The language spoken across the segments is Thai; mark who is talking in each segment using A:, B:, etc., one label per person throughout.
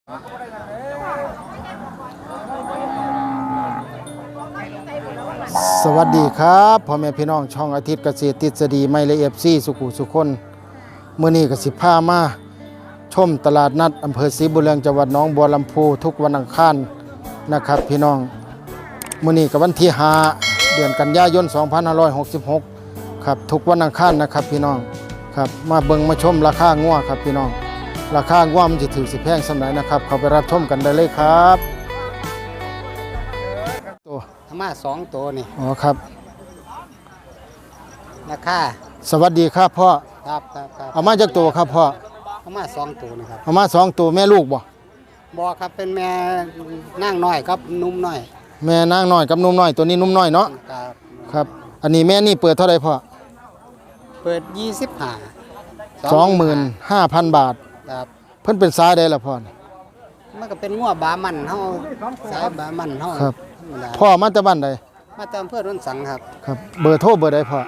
A: สวัสดีครับพ่อแม่พี่น้องช่องอาทิตย์เกษตรทฤษฎีไม่ละเอียดซี่สุขุสุคนมื้อนี้ก็สิพามาชมตลาดนัดอำเภอศรีบุญเรืองจังหวัดหนองบัวลำพูทุกวันอังคารนะครับพี่น้องมื้อนี้ก็วันที่5เดือนกันยายน2566ครับทุกวันอังคารนะครับพี่น้องครับมาเบิ่งมาชมราคางัวครับพี่น้องราคางัวมันสิถือสิแพงส่ำใดนะครับเข้าไปรับชมกันได้เลยครับ
B: มา2 ตัวนี่
A: อ๋อครับ
B: ราคา
A: สวัสดีครับพ่อ
B: ครับ
A: เอามาจากตัวครับพ่อ
B: เอามา2 ตัวนะครับ
A: เอามา2ตัวแม่ลูกบ่
B: ครับเป็นแม่นางน้อยครับนุ่มน้อย
A: แม่นางน้อยกับนุ่มน้อยตัวนี้นุ่มน้อยเนาะครับอันนี้แม่นี่เปิดเท่าไหร่พ่อ
B: เปิด
A: 25,000 บาท
B: ครับ
A: เพิ่นเป็นสายใดล่ะพ่อ
B: มันก็เป็นงัวบามันเฮาสายบามันเฮา
A: ครับพ่อมาจากบ้านใด
B: มาจากอำเภอโนนสังครับ
A: ครับเบอร์โทรเบอร์ใดพ่อ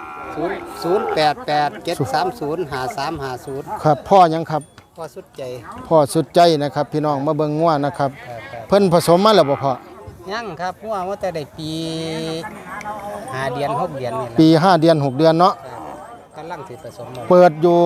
B: 0887305350
A: ครับพ่อยังครับ
B: พ่อสุดใจ
A: นะครับพี่น้องมาเบิ่งงัวนะครับเพิ่นผสมมาแล้วบ่พ่อ
B: ยังครับงัวว่าแต่ได้ปี5 เดือน 6 เดือนนี่แหละ
A: ปี5 เดือน 6 เดือนเนาะ
B: กำลังสิผสม
A: เปิดอยู่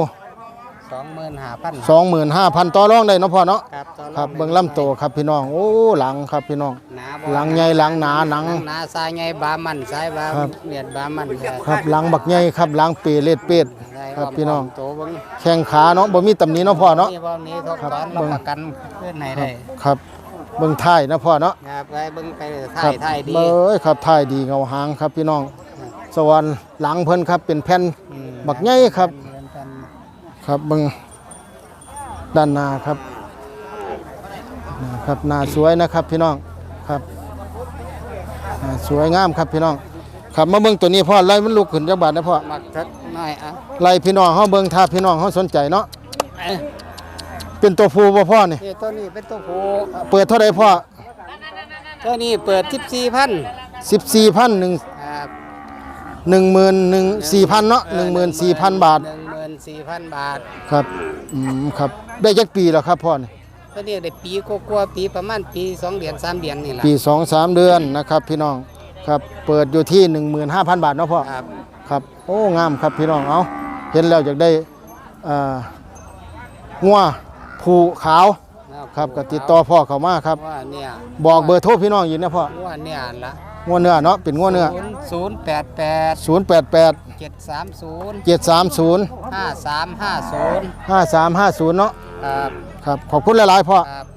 B: 25,000
A: ต่อรองได้เนาะพ่อเนาะ
B: ครับ
A: เบิ่งลำโตครับพี่น้องโอ้หลังครับพี่น้องหลังใหญ่หลังหนาหนัง
B: หนาสายใหญ่บามันสายบาเมียดบามัน
A: ครับหลังบักใหญ่ครับหลังเปเลดเป็ดครับพี่น้องแข้งขาเนาะบ่มีตำหนิเนาะพ่อเนาะ
B: ครับเบิ่งประกันเพื่อนไหนได้
A: ครับเบิ่งท้ายนะพ่อเนาะ
B: ครับไปเบิ่งไปท้ายดี
A: ครับท้ายดีเงาหางครับพี่น้องสวรรค์หลังเพิ่นครับเป็นแผ่นบักใหญ่ครับครับเบิ่งด้านหน้าครับครับหน้าสวยนะครับพี่น้องครับสวยงามครับพี่น้องครับมาเบิ่งตัวนี้พ่อไล่มันลุกขึ้นจักบาทนะพ่อ
B: มักสักหน่อยอ่ะ
A: ไล่พี่น้องเฮาเบิ่งถ้าพี่น้องเฮาสนใจเนาะเป็นตัวผู้บ่พ่อนี่
B: ตัวนี้เป็นตัวผู้
A: เปิดเท่าใดพ่อ
B: ตัวนี้เปิด
A: 14,000
B: ครับ
A: 14,000เนาะ14,000 บาท
B: 14,000 บาท
A: ครับครับได้จักปีแล้วครับพ่อนี่
B: ตัวนี้ได้ปีกว่าปีประมาณปี2 เดือน 3 เดือนนี่แหละ
A: ปี 2-3 เดือนนะครับพี่น้องครับเปิดอยู่ที่ 15,000 บาทเนาะพ่อครับโอ้งามครับพี่น้องเอาเห็นแล้วอยากได้งัวผูขาวครับก็ติดต่อพ่อเข้ามาครับบอกเบอร์โทรพี่น้องอยู่นะพ่อ
B: งัวเนี่ยละ
A: งัวเนื้อเนาะเป็นงัวเนื้อ
B: 088
A: 730 5350เนาะครับขอบคุณหลายๆพ่อ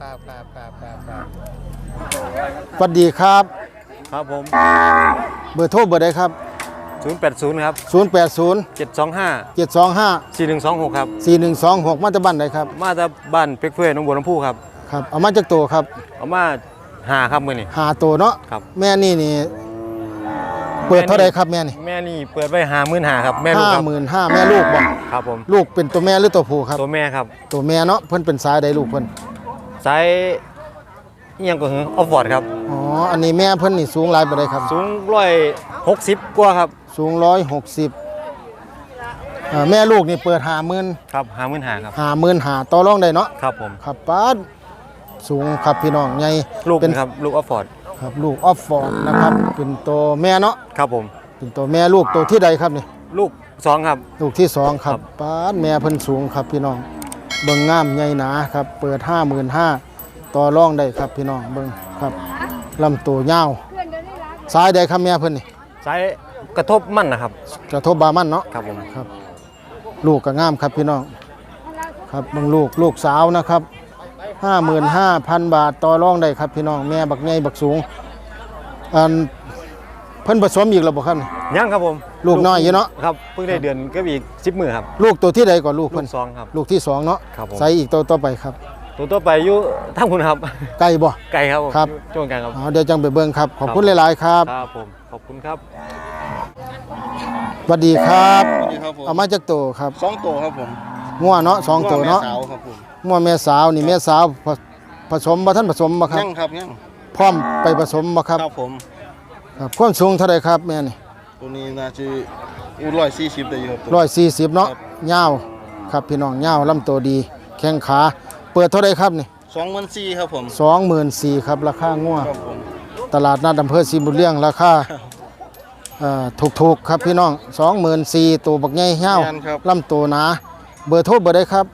A: สวัสดีครับ
C: ครับผม
A: เบอร์โทรเบอร์ใดครับ
C: 080ครับ
A: 725
C: 4126ครับ
A: 4126มาจากบ้านใดครับ
C: มาจากบ้านเป็กเฟื่อยหนองบัวลำพูครับ
A: ครับเอามาจากโตครับ
C: เอามา5ครับมื้อนี้
A: 5โตเนาะ
C: ครับ
A: แม่นี่เปิดเท่าใดครับแม่
C: นี่เปิดไว้55,000ครับแม่ลูกครับ
A: 55,000แม่ลูกบ่
C: ครับผม
A: ลูกเป็นตัวแม่หรือตัวผู้ครับ
C: ตัวแม่ครับ
A: ตัวแม่เนาะเพิ่นเป็นสายใดลูกเพิ่น
C: สายอีหยังก็คือออฟฟอร์ดครับ
A: อ๋ออันนี้แม่เพิ่นนี่สูงหลายปานใดครับ
C: สูง160กว่าครับ
A: สูง160แม่ลูกนี่เปิด50,000
C: ครับ55,000ครับ
A: 55,000ต่อรองได้เนาะ
C: ครับผม
A: ครับป้าสูงครับพี่น้องใหญ่
C: ลูกเป็นครับลูกออฟฟอร์ด
A: ครับลูกออฟฟอร์ดนะครับเป็นตัวแม่เนาะ
C: ครับผม
A: เป็นตัวแม่ลูกตัวที่ใดครับนี่
C: ลูก2ครับ
A: ลูกที่2ครับป้าแม่เพิ่นสูงครับพี่น้องเบิ่งงามใหญ่หนาครับเปิด55,000ต่อรองได้ครับพี่น้องเบิ่งครับลำตัวยาวสายใดครับแม่เพิ่นนี่
C: สายกระทบมั่นนะครับ
A: กระทบบามันเนาะ
C: ครับผม
A: ครับลูกก็งามครับพี่น้องครับเบิ่งลูกสาวนะครับ55,000 บาทต่อรองได้ครับพี่น้องแม่บักใหญ่บักสูงเพิ่นผสมอีกแล้วบ่ครับ
C: ยังครับผม
A: ลูกน้อยอยู่เนาะ
C: ครับเพิ่งได้เดือนก็อีก10 มื้อครับ
A: ลูกตัวที่ใดก่อนลูกเพิ่น
C: 2ครับ
A: ลูกที่2เนาะใส่อีกตัวต่อไปครับ
C: ตัวต่อไปอยู่ทางคุณครับ
A: ไก่บ่
C: ไก่ครับ
A: ครับ
C: ช่วงกลางครับ
A: เดี๋ยวจังไปเบิ่งครับขอบคุณหลายๆครับ
C: ครับผมขอบคุณครับ
A: สวัสดีครับเอามาจากโตครับ
D: 2โตครับผม
A: งัวเนาะ2โตเนาะงัวแม่สาวนี่แม่สาวผสมบ่ทันผสมบ่ครับ
D: ยังครับยัง
A: พร้อมไปผสมบ่ครับ
D: ครับผม
A: ครับความสูงเท่าไรครับแม่นี่
D: ตัวนี้น่าจะ140ได้อยู่ครับ
A: 140เนาะยาวครับพี่น้องยาวลำตัวดีแข้งขาเปิดเท่าไรครับนี่
D: 24,000ครับผม
A: 24,000ครับราคางัว
D: ครับผม
A: ตลาดนัดอำเภอศรีบุญเลี้ยงราคาถูกๆครับพี่น้อง 24,000ตัวบักใหญ่เหี่ยว
D: แม่นครับ
A: ลำตัวหนาเบอร์โทรเบอร์ใดครับ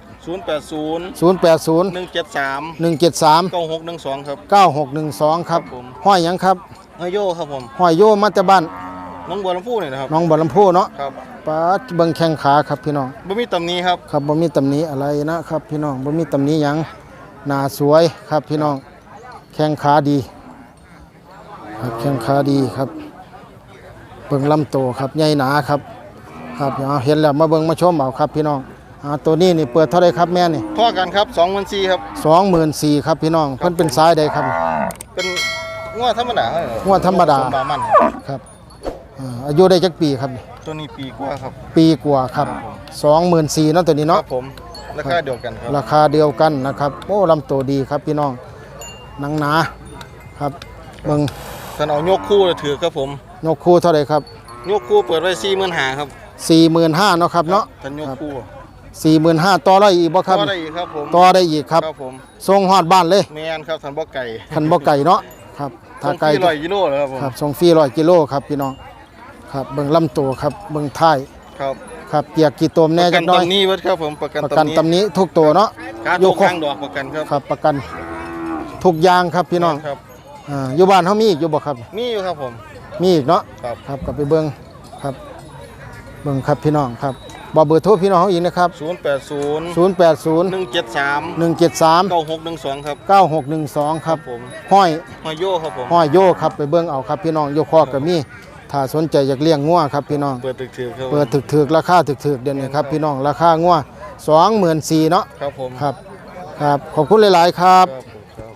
D: 080
A: 080
D: 173
A: 173
D: 9612ครับ
A: 9612 ครับ
D: ครับผม
A: ห้อยหยังครับ
D: เฮยโยครับผม
A: ห้อยโยมาแต่บ้าน
D: น้องบัวลำพูนี่นะครับ
A: น้องบ่อลำพูเนาะ
D: ครับ
A: ป้าดเบิ่งแข้งขาครับพี่น้อง
D: บ่มีตำหนี้ครับ
A: ครับบ่มีตำหนิอะไรนะครับพี่น้องบ่มีตำหนิหยังหน้าสวยครับพี่น้องแข้งขาดีครับแข้งขาดีครับเบิ่งลำโตครับใหญ่หนาครับครับเอาเห็นแล้วมาเบิ่งมาชมเอาครับพี่น้องตัวนี้นี่เปิดเท่าไรครับแม่นี่
D: พ่อกันครับ24,000ครับ
A: 24,000ครับพี่น้องเพิ่นเป็นสายใดครับ
D: เป็นงัวธรรมดาครับ
A: งัวธรรมดา
D: สบามัน
A: ครับอายุได้จักปีครับนี่
D: ตัวนี้ปีกว่าครับ
A: ปีกว่าครับ24,000เนาะตัวนี้
D: ค
A: เนาะ
D: รับผมราคาเดียวกันครับ
A: ราคาเดียวกันนะครับโอ้ลำตัวดีครับพี่น้องหนังหนาครับเบิ่ง
D: ท่านเอายกคู่เลยถือครับผม
A: ยกคู่เท่าไรครับ
D: ยกคู่เปิดไว้45,000ครับ
A: 45,000เนาะครับเนาะ
D: ท่านยกคู่
A: 45,000ต่อได้อีกบ่ครับ
D: ก็ได้อีกครับผม
A: ต่อได้อีกครับ
D: ครับผม
A: ส่งฮอดบ้านเลย
D: แม่นครับท่านบ่ไก่
A: คันบ่ไก่เนาะครับถ้าไก่
D: ส่งที่100กิโลเลยครับผม
A: ครับส่งฟรี100กิโลครับพี่น้องครับเบิ่งลำตัวครับเบิ่งท้าย
D: ครับ
A: ครับเกียกกี่ตม
D: ป
A: แน่
D: ระกั
A: จั
D: น
A: กหน่อย
D: ตำหนี้เบิดครับผมประกัน
A: ประกัน
D: ตำหนี้
A: ตำหนี้ทุกตัวเนาะ
D: การ
A: ย
D: ทุ
A: ก
D: ก
A: ครบ
D: ข้างดอกประกันครับ
A: ครับประกันทุกอย่างครับพี่น้อง
D: ครับ
A: อยู่บ้านเฮามีอีกอยู่บ่ครับ
D: มีอยู่ครับผม
A: มีอีกเนาะ
D: ครับ
A: ครับกลับไปเบิ่งครับเบิ่งครับพี่น้องครับบอกเบอร์โทรพี่น้องเขาอีกนะครับ
D: 080
A: 080
D: 173
A: 173
D: 9612ครับ
A: 9612 ครับ
D: ผม
A: ห้อย
D: หอยโยครับผม
A: ห้อยโยครับไปเบิ่งเอาครับพี่น้องโยคอกก็มีถ้าสนใจอยากเลี้ยงงัวครับพี่น้อง
D: เปิดตึกถือครับ
A: เปิดถึกๆราคาถึกๆเดี๋ยวนี้ครับพี่น้องราคางัว24,000เนาะ
D: ครับผม
A: ครับครับขอบคุณหลายๆครับ
D: ครับผมครับ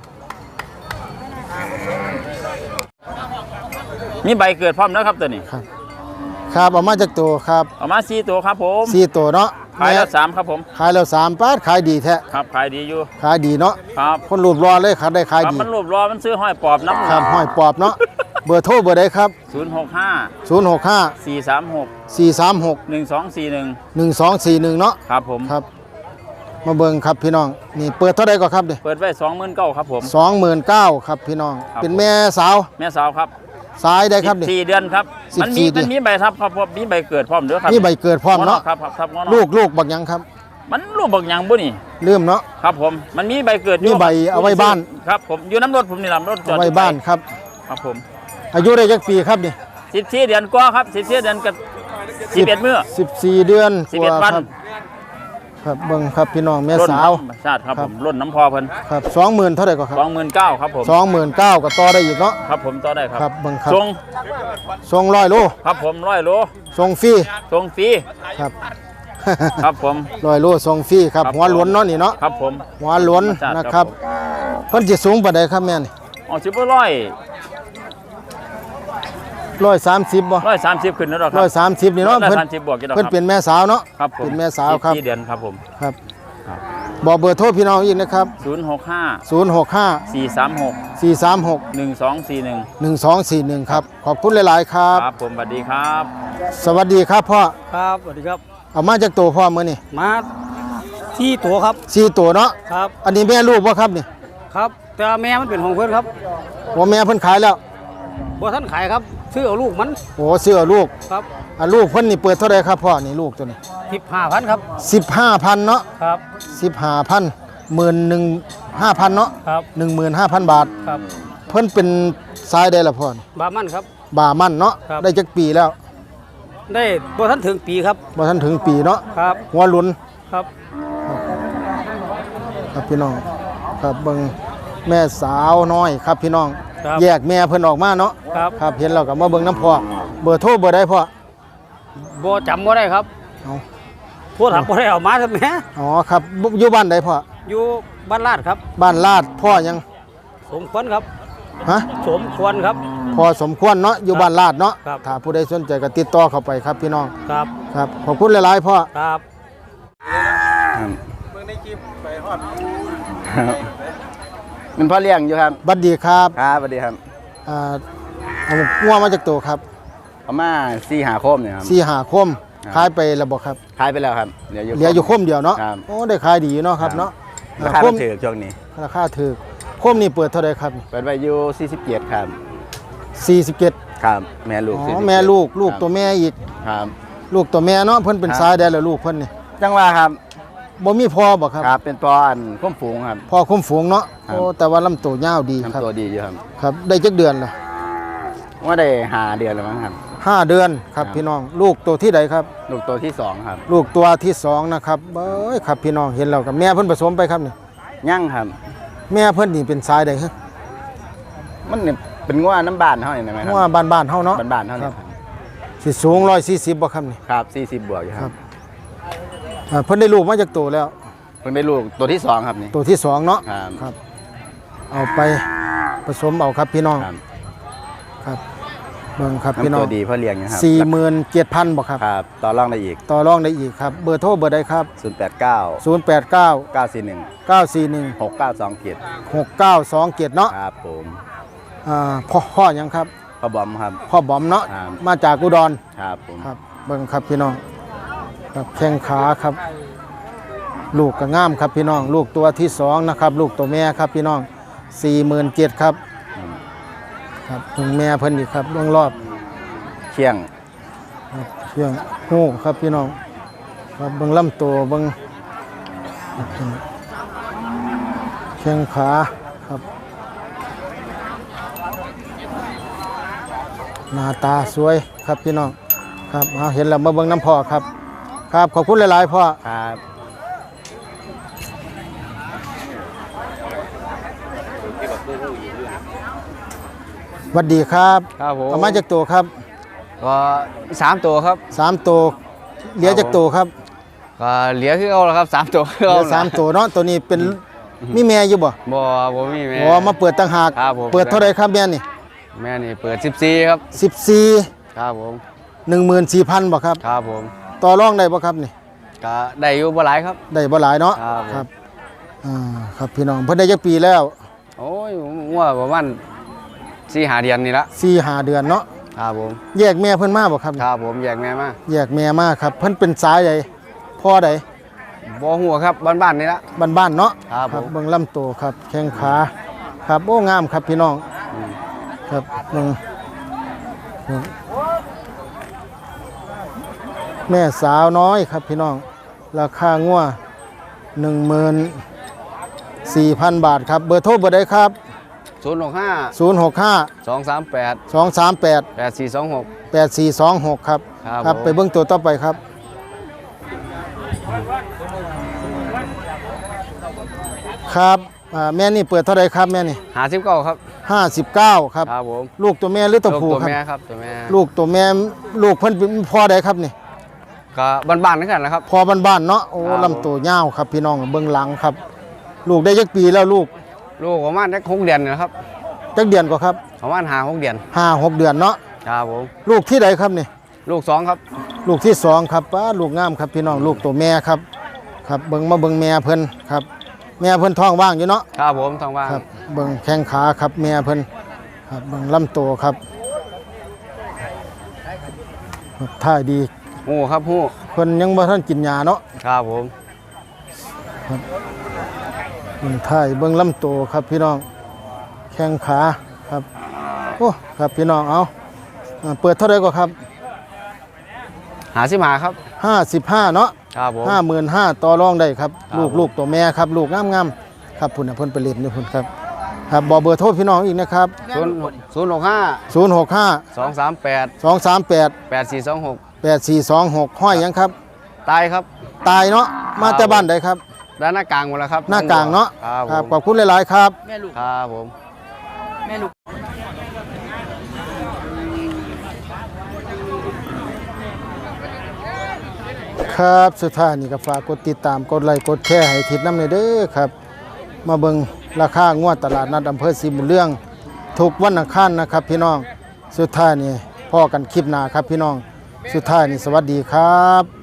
C: มีใบเกิดพร้อมแล้วครับตัวนี้
A: ครับครับเอามาจากตัวครับ
C: เอามา4ตัวครับผม
A: 4ตัวเนาะ
C: ขายแล้ว
A: แม่
C: 3ครับผม
A: ขายแล้ว3ปาดขายดีแท้
C: ครับขายดีอยู่
A: ขายดีเนาะ
C: ครับ
A: คนรูปรอเลยครับได้ขาย
C: ครับ
A: ดี
C: มันรูปรอมันซื้อห้อยปอบน้ำ
A: ครับห้อยปอบเนาะเบอร์โทรเบอร์ใดครับ
C: 065
A: 065
C: 436
A: 436
C: 1241
A: 1241เนาะ
C: ครับผม
A: ครับมาเบิ่งครับพี่น้องนี่เปิดเท่าใดก็ครับเด้
C: เปิดไว้29,000ครับผม
A: 29,000ครับพี่น้อง
C: ครับ
A: เป็นแม่สาว
C: แม่สาวครับ
A: สายได้ครับนี่
C: 14เดือนครับ
A: 14
C: มันมี
A: เดือน
C: มันมีใบทับครับผมมีใบเกิดพร้อมเด้อครับ
A: นี่ใบเกิดพร้อมเนาะ
C: ครับครับงอน
A: ลูกบักหยังครับ
C: มันลูกบักหยังบ่นี่
A: ลืมเนาะ
C: ครับผมมันมีใบเกิด
A: มีใบเอาไว้บ้าน
C: ครับผมอยู่น้ำรถผมนี่ลำรถจอด
A: ไว้บ้านครับ
C: ครับผม
A: อายุได้จักปีครับนี่
C: 14เดือนกว่าครับ14เดือนกับ11มื้อ
A: 14เดือน
C: 11วัน
A: ครับครับเบิ่งครับพี่น้องแม่สาว
C: ธรรมชาติครับ
A: ครั
C: ผ
A: บ
C: มรุ่นน้ำพอเพิ่น
A: ครับ20,000เท่าใดก็ครับ
C: 29,000ครับผม
A: 29,000ก็ต่อได้อีกเนาะ
C: ครับผมต่อได้ครับ
A: ครับเบิ่งครับ
C: ส่ง
A: ส่ง100โล
C: ครับผม100โล
A: ส่งฟรี
C: ส่งฟรี
A: ครับ
C: ครับผม
A: 100โลส่งฟรีครับ
C: ครับ
A: หัวหลวนเนาะนี่เนาะ
C: ครับผม
A: หัวหลวน
C: ธรรมชาติ
A: นะค
C: ครั
A: รับบ เพิ่นสิสูงปานใดครับแม่นี่
C: อ๋อสิบ่ร้อย
A: 130บ่
C: 130ขึ้นแล้วหรอครับ
A: 130นี่เนาะเพิ่น
C: 130บวกกี่ดอก
A: เพิ่น
C: ครับ
A: เป็นแม่สาวเนาะ
C: ครับผม
A: เป็นแม่สาวครับ
C: 14เดือนครับผม
A: ครับ
C: ครับ
A: บอกเบอร์โทรพี่น้องอีกนะครับ
C: 065
A: 065
C: 436
A: 436
C: 1241
A: 1241ครับขอบคุณหลายๆครับ
C: ครับผมสวัสดีครับ
A: สวัสดีครับพ่อ
B: ครับสวัสดีครับ
A: เอามาจากตัวพ่อมื้อนี่
B: มาที่ตัวครับ
A: 4ตัวเนาะ
B: ครับ
A: อันนี้แม่ลูกบ่ครับนี่
B: ครับแต่แม่มันเป็นของเพื่อนครับ
A: ว่าแม่เพิ่นขายแล้ว
B: บ่ท่านขายครับซื้อเอาลูกมัน
A: โอ้เสื้อลูก
B: ครับ
A: อ่ะลูกเพิ่นนี่เปิดเท่าไหร่ครับพ่อนี่ลูกตัวนี้
B: 15,000ครับ
A: 15,000เนาะ
B: ครับ
A: 15,000 15,000เนาะ
B: ครับ
A: 15,000 บาท
B: ครับ
A: เพิ่นเป็นสายได้ละพ่อนี่
B: บามันครับ
A: บ่ามันเนาะ
B: ครับ
A: ได้จักปีแล้ว
B: ได้บ่ท่านถึงปีครับ
A: บ่ทันถึงปีเนาะ
B: ครับ
A: หัวหลุน
B: ครับ
A: ครับพี่น้องครับเบิ่งแม่สาวน้อยครับพี่น้อง
B: ครับ
A: แยกแม่เพิ่นออกมาเนาะ
B: ครับ
A: ครับเห็นแล้วก็มาเบิ่งน้ำพ่อเบอร์โทรเบอร์ใดพ่อ
B: บ่จำบ่ได้ครับ
A: เอา
B: โทรศัพท์บ่ได้เอามาทำแม่
A: อ๋อครับอยู่บ้านใดพ่อ
B: อยู่บ้านลาดครับ
A: บ้านลาดพ่อยัง
B: สมควรครับ
A: ฮะ
B: สมควรครับ
A: พอสมควรเนาะอยู่บ้านลาดเนาะ
B: ครับ
A: ถ้าผู้ใดสนใจก็ติดต่อเข้าไปครับพี่น้อง
B: ครับ
A: ครับขอบคุณหลายๆพ่อ
B: ครับ
C: มันพ่อเลี้ยงอยู่ครับ
A: บัดดีครับ
C: ครับสวัสดีครับ
A: อ่าเอางัวมาจากตัวครับ
C: ประมาณ4 5คมเนี่ยครับ
A: 4 5คม
C: ครับ
A: ขายไปแล้วบ่ครับ
C: ขายไปแล้วครับเหลืออยู่
A: เหลืออยู่คมเดียวเนาะ
C: ครับ
A: โอ้ได้ขายดีอยู่เนาะครับเนาะ
C: ราคา
A: ค
C: มั
A: ม
C: นถือช่วงนี้
A: คราคาถูกโคมนี่เปิดเท่าไหร่ครับ
E: เปิดไว้อยู่47ครับ
A: 47
E: ครับแม่ลูก
A: อ๋อ
E: 47
A: แม่ลูกตัวแม่อีก
E: ครับ
A: ลูกตัวแม่เนาะเพิ่นเป็น
E: ครับ
A: สายได้แล้วลูกเพิ่นนี่
E: จังว่าครับ
A: บ่มีพ่อบ่ครับ
E: ครับเป็นตัวอันคุ้มฝูงครับ
A: พ่อคุ้มฝูงเนาะ
E: ครับ
A: โอ้แต่ว่าลำตัวยาวดีครับ
E: ทำตัวดีอยู่ครับ
A: ครับได้จักเดือนละ
E: ว่าได้5 เดือนแล้วมั้งครับ
A: 5 เดือนครับ
E: ครับ
A: พี่น้องลูกตัวที่ใดครับ
E: ลูกตัวที่2ครับ
A: ลูกตัวที่สองนะครับเอ้ยครับพี่น้องเห็นแล้วกับแม่เพิ่นผสมไปครับนี่
E: ยั่งครับ
A: แม่เพิ่นนี่เป็นสายใดฮะ
E: มันเนี่ยเป็นงัวน้ำบานเท่านี้ไหมครั
A: ว่าบ้านๆเฮาเนาะ
E: บานๆเท่านี้ครับ
A: สิสูง140บ่ครับนี่
E: ครับ40 บวกอยู่ครับ
A: เพิ่นได้ลูกมาจากตัวแล้ว
E: เพิ่นได้ลูกตัวที่2ครับนี่
A: ตัวที่สองเนาะ
E: ครับ
A: ครับ เอาไปผสมเอาครับพี่น้อง
E: ครับ
A: ครับเบิ่งครับพี่น้
E: น้ำ
A: อง
E: ตัวดีเพื่อเลี้ยงนะครับ
A: 47,000บ่ครับ
E: ครับต่อรองได้อีก
A: ต่อรองได้อีกครับเบอร์โทรเบอร์ใดครับ
E: 089
A: 089
E: 941
A: 941
E: 6927
A: 6927เนาะ
E: ครับผม
A: พ่อหยังครับ
E: พ่อบอมครับ
A: พ่อบอมเนาะ
E: ครับ
A: มาจากอุดร
E: ครับผม
A: ครับเบิ่งครับพี่น้องครับแข้งขาครับ ลูกก็งามครับพี่น้อง ลูกตัวที่สองนะครับ ลูกตัวแม่ครับพี่น้อง47,000ครับครับเบิ่งแม่เพิ่นอีกครับเบิ่งรอบ
E: เชียง
A: เชียงหูครับพี่น้องครับเบิ่งลำตัวเบิ่งแข้งขาครับหน้าตาสวยครับพี่น้องครับเอาเห็นแล้วมาเบิ่งน้ำพ่อครับ ครับขอบคุณหลายๆพ่อ
E: ครับ
A: สวัสดีครับ
C: ครับผม
A: เอามาจากตัวครับ
C: ก็3ตัวครับ
A: 3ตัวเหลือจากตัวครับ
C: ก็เหลือคือเอาละครับ3ตัวคือ
A: เห
C: เอา
A: ลือ3ตัวเนาะตัวนี้เป็นมีแม่อยู่บ่
C: บ่มีแม่
A: อ๋อมาเปิดต่างหาก
C: ครับผม
A: เปิดเท่าไหร่ครับแม่นี่
C: แม่นี่เปิด14ครับ
A: 14
C: ครับผม
A: 14,000บ่ครับ
C: ครับผม
A: ต่อรองได้บ่ครับนี่
C: ก็ได้อยู่บ่หลายครับ
A: ได้บ่หลายเนาะ
C: ครับผม
A: ครับพี่น้องเพิ่นได้จักปีแล้ว
C: โอ้ยว่าประมาณ4-5เดือนนี่ละ
A: 4-5 เดือนเนาะ
C: ครับผม
A: แยกแม่เพิ่นมาบ่ครับ
C: ครับผมแยกแม่มา
A: แยกแม่มาครับเพิ่นเป็นสายใดพ่อใด
C: บ่หัวครับบ้านๆนี่ละ
A: บ้านๆเนาะ
C: ครับผม
A: เบิ่งลำตัวครับแข้งขาครับโอ้งามครับพี่น้องครับเบิ่งแม่สาวน้อยครับพี่น้องราคางัว14,000 บาทครับเบอร์โทรเบอร์ใดครับ
C: 065
A: 065
C: 238
A: 238
C: 8426
A: 8426ครับ
C: ครับ
A: ไปเบิ่งตัวต่อไปครับครับแม่นี่เปิดเท่าไรครับแม่นี่
C: 59ครับ
A: 59ครับ
C: ครับผม
A: ลูกตัวแม่หรือตัวผู้
C: ตัว
A: ครับ
C: แม่ครับตัวแม่
A: ลูกตัวแม่ลูกเพิ่นเป็นพ่อใดครับนี่
C: ก็บ้านๆนั่นกันนะครับ
A: พ่อบ้านๆเนาะโอ้
C: ครับ
A: ลำตัวยาวครับพี่น้องเบิ่งหลังครับ ลูกได้จักปีแล้วลูก
C: ลูกประมาณสัก6เดือนนะครับ
A: จักเดือนกว่าครับ
C: ประมาณ5-6เดือน
A: 5-6 เดือนเนาะ
C: ครับผม
A: ลูกที่ใดครับนี่
C: ลูก2ครับ
A: ลูกที่สองครับป้าลูกงามครับพี่น้องลูกตัวแม่ครับครับเบิ่งมาเบิ่งแม่เพิ่นครับ แม่เพิ่นท้องว่างอยู่เนาะ
C: ครับผมทางบ้าน
A: ครับเบิ่งแข้งขาครับแม่เพิ่นครับเบิ่งลำตัวครับครับท่ายดี
C: หูครับหู
A: เพิ่นยังบ่ทันกินยาเนาะ
C: ครับผม
A: เบิ่งท่ายเบิ่งลำตัวครับพี่น้องแข้งขาครับโอ้ครับพี่น้องเอาเปิดเท่าไหร่ก็ครับ
C: 55ครับ
A: 55เนาะ
C: ครับผม
A: 55,000ต่อรองได้ครับ
C: ครับ
A: ลูกตัวแม่ครับลูกงามๆครับพุ่นน่ะเพิ่นไปเล่นอยู่พุ่นครับครับบอกเบอร์โทรพี่น้องอีกนะครับ
C: 065
A: 065
C: 238
A: 238
C: 8426
A: 8426ห้อยหยังครับ
C: ตายครับ
A: ตายเนาะมาแต่บ้านใดครับ
C: ด้านหน้ากลางหมดแล้วครับ
A: หน้ากลางเนาะ
C: ครับ
A: ขอบคุณหลายๆครับ
C: ครับผม
A: ครับสุดท้ายนี่ก็ฝากกดติดตามกดไลค์กดแชร์ให้ทิศน้ำในเด้อครับ มาเบิ่งราคางวดตลาดนัดอำเภอศรีบุญเรื่องทุกวันอังคารนะครับพี่น้องสุดท้ายนี่พ่อกันคลิปหน้าครับพี่น้องสุดท้ายนี่สวัสดีครับ